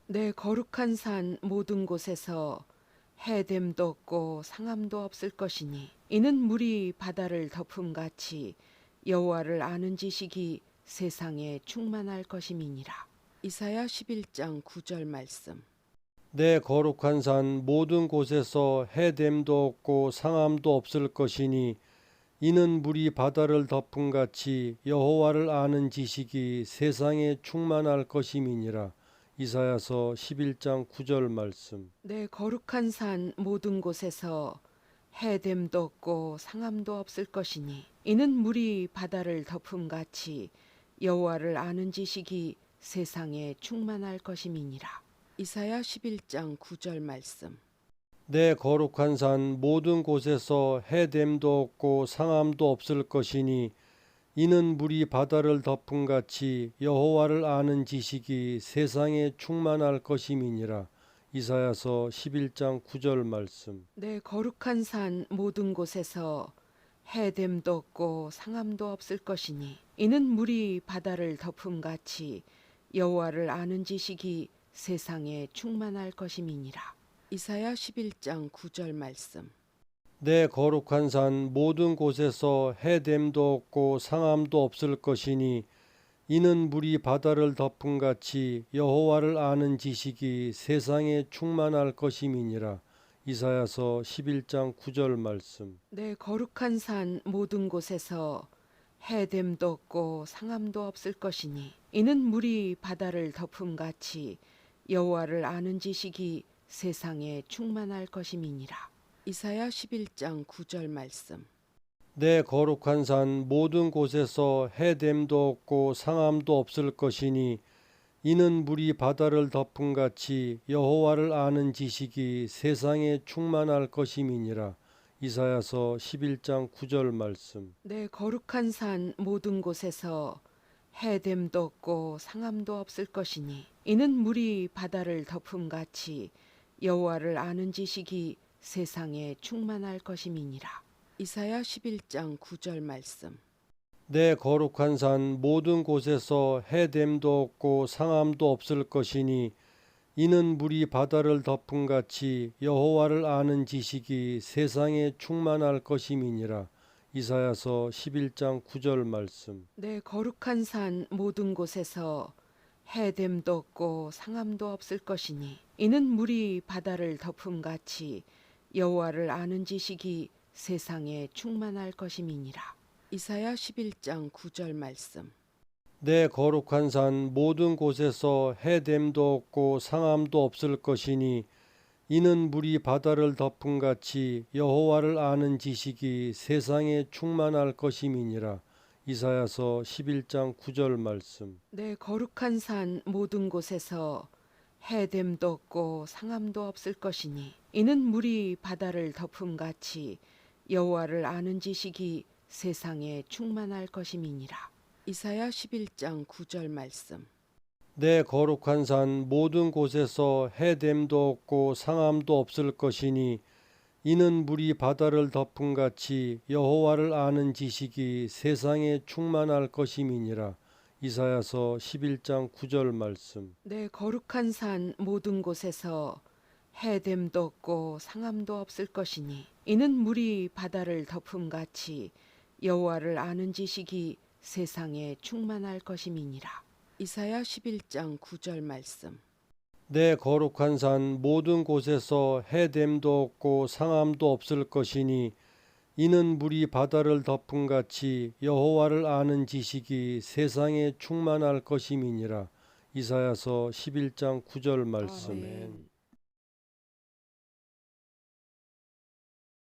내 거룩한 산 모든 곳에서 해됨도 없고 상함도 없을 것이니 이는 물이 바다를 덮음같이 여호와를 아는 지식이 세상에 충만할 것임이니라. 이사야 11장 9절 말씀. 내 거룩한 산 모든 곳에서 해됨도 없고 상함도 없을 것이니 이는 물이 바다를 덮음같이 여호와를 아는 지식이 세상에 충만할 것임이니라. 이사야서 11장 9절 말씀. 내 거룩한 산 모든 곳에서 해됨도 없고 상함도 없을 것이니 이는 물이 바다를 덮음같이 여호와를 아는 지식이 세상에 충만할 것임이니라. 이사야 11장 9절 말씀. 내 거룩한 산 모든 곳에서 해됨도 없고 상함도 없을 것이니 이는 물이 바다를 덮음같이 여호와를 아는 지식이 세상에 충만할 것임이니라. 이사야서 11장 9절 말씀. 내 거룩한 산 모든 곳에서 해됨도 없고 상함도 없을 것이니 이는 물이 바다를 덮음같이 여호와를 아는 지식이 세상에 충만할 것임이니라. 이사야 11장 9절 말씀. 내 거룩한 산 모든 곳에서 해됨도 없고 상함도 없을 것이니 이는 물이 바다를 덮음같이 여호와를 아는 지식이 세상에 충만할 것임이니라. 이사야서 11장 9절 말씀. 내 거룩한 산 모든 곳에서 해됨도 없고 상함도 없을 것이니 이는 물이 바다를 덮음같이 여호와를 아는 지식이 세상에 충만할 것임이니라. 이사야 11장 9절 말씀. 내 거룩한 산 모든 곳에서 해됨도 없고 상함도 없을 것이니 이는 물이 바다를 덮음같이 여호와를 아는 지식이 세상에 충만할 것임이니라. 이사야서 11장 9절 말씀. 내 거룩한 산 모든 곳에서 해됨도 없고 상함도 없을 것이니 이는 물이 바다를 덮음같이 여호와를 아는 지식이 세상에 충만할 것임이니라. 이사야 11장 9절 말씀. 내 거룩한 산 모든 곳에서 해됨도 없고 상함도 없을 것이니 이는 물이 바다를 덮음같이 여호와를 아는 지식이 세상에 충만할 것임이니라. 이사야서 11장 9절 말씀. 내 거룩한 산 모든 곳에서 해됨도 없고 상함도 없을 것이니 이는 물이 바다를 덮음같이 여호와를 아는 지식이 세상에 충만할 것임이니라. 이사야 11장 9절 말씀. 내 거룩한 산 모든 곳에서 해됨도 없고 상함도 없을 것이니 이는 물이 바다를 덮음같이 여호와를 아는 지식이 세상에 충만할 것임이니라. 이사야서 11장 9절 말씀. 내 거룩한 산 모든 곳에서 해됨도 없고 상함도 없을 것이니 이는 물이 바다를 덮음같이 여호와를 아는 지식이 세상에 충만할 것임이니라. 이사야 11장 9절 말씀. 내 거룩한 산 모든 곳에서 해됨도 없고 상함도 없을 것이니 이는 물이 바다를 덮음같이 여호와를 아는 지식이 세상에 충만할 것임이니라. 이사야서 11장 9절 말씀. 내 거룩한 산 모든 곳에서 해됨도 없고 상함도 없을 것이니 이는 물이 바다를 덮음같이 여호와를 아는 지식이 세상에 충만할 것임이니라. 이사야 11장 9절 말씀. 내 거룩한 산 모든 곳에서 해됨도 없고 상함도 없을 것이니 이는 물이 바다를 덮음같이 여호와를 아는 지식이 세상에 충만할 것임이니라. 이사야서 11장 9절 말씀. 아멘.